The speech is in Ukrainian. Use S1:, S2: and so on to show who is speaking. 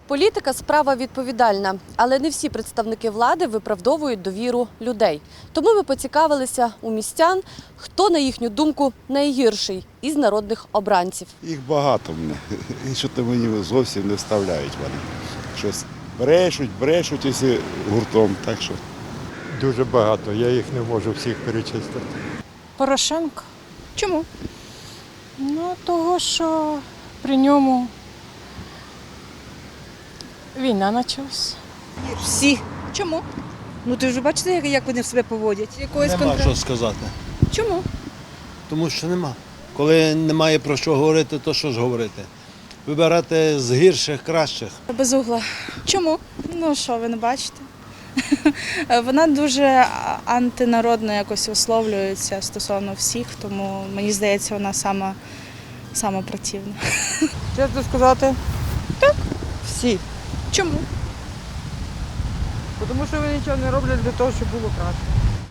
S1: Політика – справа відповідальна, але не всі представники влади виправдовують довіру людей. Тому ми поцікавилися у містян, хто, на їхню думку, найгірший із народних обранців.
S2: Їх багато мене. І що то мені зовсім не вставляють вони. Щось брешуть усі гуртом. Так що
S3: Дуже багато, я їх не можу всіх перечислити.
S4: Порошенко.
S5: Чому?
S4: Ну, того, що при ньому війна почалась.
S5: Всі. Чому? Ну ти вже бачите, як вони себе поводять? Якоїсь
S6: Нема що сказати,
S5: Чому?
S6: тому що нема. Коли немає про що говорити, то що ж говорити? Вибирати з гірших, кращих.
S7: Безугла. Чому? Ну що, ви не бачите? Вона дуже антинародно якось висловлюється стосовно всіх, тому мені здається, вона сама противна.
S8: Чесно сказати, так, всі.
S5: Чому?
S8: Тому що вони нічого не роблять для того, щоб було краще.